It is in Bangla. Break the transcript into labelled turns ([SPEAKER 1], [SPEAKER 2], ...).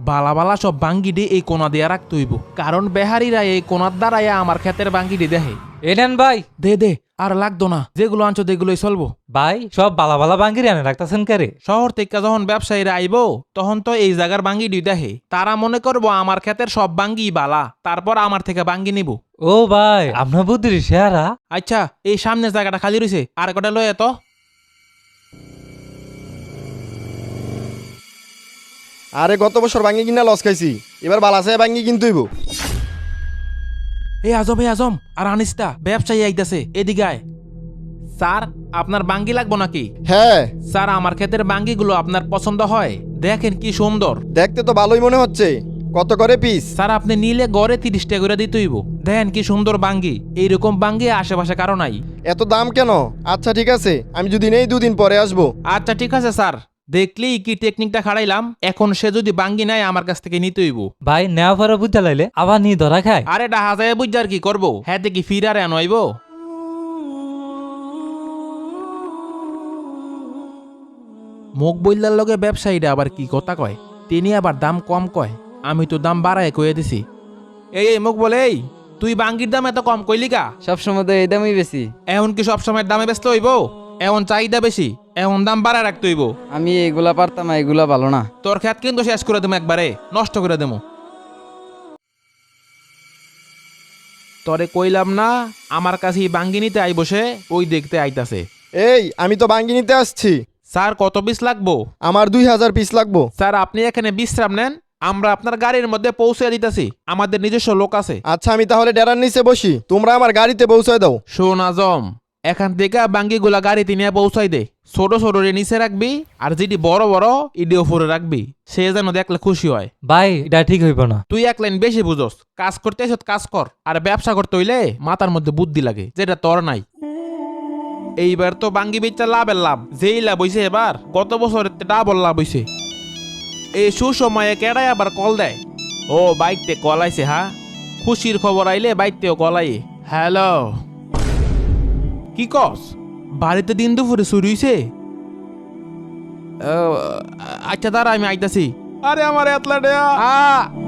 [SPEAKER 1] বালা বালা সব বাঙ্গি দিয়ে এই কোনা দিয়া রাখতে হইব, কারণ বেহারিরা এই কোনার দ্বারাইয়া আমার ক্ষেতের বাঙ্গি দিয়ে দেখে।
[SPEAKER 2] এ নেন ভাই।
[SPEAKER 1] দে দে, আর লাগতো না, যেগুলো আনছো যেগুলোই চলবো।
[SPEAKER 2] ভাই সব বালা বালা বাঙ্গির আনে রাখতেছেন কারে?
[SPEAKER 1] শহর থেকে যখন ব্যবসায়ীরা আইবো তখন তো এই জায়গার বাঙ্গি দিয়ে দেখে, তারা মনে করবো আমার ক্ষেতের সব বাঙ্গি বালা, তারপর আমার থেকে বাঙ্গি নিব।
[SPEAKER 2] ও ভাই আপনার বুদ্ধির শেয়ারা।
[SPEAKER 1] আচ্ছা, এই সামনের জায়গাটা খালি রয়েছে, আর কটা লয়ে তো।
[SPEAKER 3] আরে গত বছর ভাঙ্গি কিনা লস খাইছি, এবার বালাসায় ভাঙ্গি কিনতে হইব।
[SPEAKER 1] এই আজম আর আনিস্তা, ব্যবসায়ী আইতাছে, এদিকে আয়। স্যার, আপনার বাঙ্গি লাগবো নাকি?
[SPEAKER 3] হ্যাঁ,
[SPEAKER 1] স্যার, আমার ক্ষেতের বাঙ্গিগুলো আপনার পছন্দ হয়? দেখেন কি সুন্দর।
[SPEAKER 3] দেখতে তো ভালোই মনে হচ্ছে। কত করে পিস?
[SPEAKER 1] স্যার, আপনি নিলে গড়ে 30 টাকা করে দিতে হইব। দেখেন কি সুন্দর বাঙ্গি, এইরকম বাঙ্গি আশেপাশে কারো নাই।
[SPEAKER 3] এত দাম কেন? আচ্ছা ঠিক আছে, আমি যদি নেই 2 দিন পরে আসবো।
[SPEAKER 1] আচ্ছা ঠিক আছে স্যার, দেখলেই কি টেকনিকটা খাড়াইলাম। এখন সে যদি বাঙ্গি নেয় আমার কাছ থেকে নিতে হইব।
[SPEAKER 2] ভাই নেওয়া পরে বুঝতে লাইলে আবার নি ধরা খায়।
[SPEAKER 1] আরে ডাহা যায় বুঝার কি করবো, হ্যাঁ কি ফিরারে আনইব। মুখ বইলার লগে ব্যবসায়ীরা আবার কি কথা কয়, তিনি আবার দাম কম কয়, আমি তো দাম বাড়ায় কয়ে দিছি। এই মুখ বলে, এই তুই বাঙ্গির দাম এত কম কইলি কা?
[SPEAKER 4] সবসময় তো এই দামই বেশি।
[SPEAKER 1] এখন কি সবসময় দামে ব্যস্ত হইব? এখন চাহিদা বেশি, এখন দাম বাড়ায় রাখতে হইব।
[SPEAKER 4] আমি এগুলা পারতাম না, এগুলা ভালো না।
[SPEAKER 1] তোর খেত কিন্তু শেষ করে দেবো, একবারে নষ্ট করে দেবো। তরে কইলাম না আমার কাছে বাঙ্গি নিতে আই বসে, ওই দেখতে আইতাছে।
[SPEAKER 3] এই আমি তো ভাঙ্গি নিতে আসছি।
[SPEAKER 1] স্যার, কত পিস লাগবো?
[SPEAKER 3] আমার 2000 পিস লাগবো।
[SPEAKER 1] স্যার, আপনি এখানে বিশ্রাম নেন, আমরা আপনার গাড়ির মধ্যে পৌঁছে দিতেছি, আমাদের নিজস্ব লোক আছে।
[SPEAKER 3] আচ্ছা আমি তাহলে ডেরার নিচে বসি, তোমরা আমার গাড়িতে পৌঁছায় দাও।
[SPEAKER 1] শোন আজম, এখান থেকে বাঙ্গিগুলা গাড়িতে নিয়ে পৌঁছাই দে। ছোট ছোট রে নিচে রাখবি, আর যেটি বড় বড় ইডি উপরে রাখবি, সে যেন দেখলে খুশি হয়।
[SPEAKER 2] ভাই এটা ঠিক হইব না।
[SPEAKER 1] তুই এক লাইন বেশি বুঝোস, কাজ করতে এসে কাজ কর, আর ব্যবসা করতে হইলে মাথার মধ্যে বুদ্ধি লাগে, যেটা তোর নাই। এইবার তো বাঙ্গি বেচা লাভের লাভ, যেই লাভ হইছে এবার, গত বছরের ডাবল লাভ হইছে। এই সুসময়ে কেডাই আবার কল দেয়। ও বাইকতে কল আইছে, হ্যাঁ খুশির খবর আইলে বাইকতেও কল আই। হ্যালো, কি কস? বাড়িতে দিন দুপুরে শুরু হইছে? আচ্ছা দাঁড়া, আমি আইতাছি। আরে আমার এতলা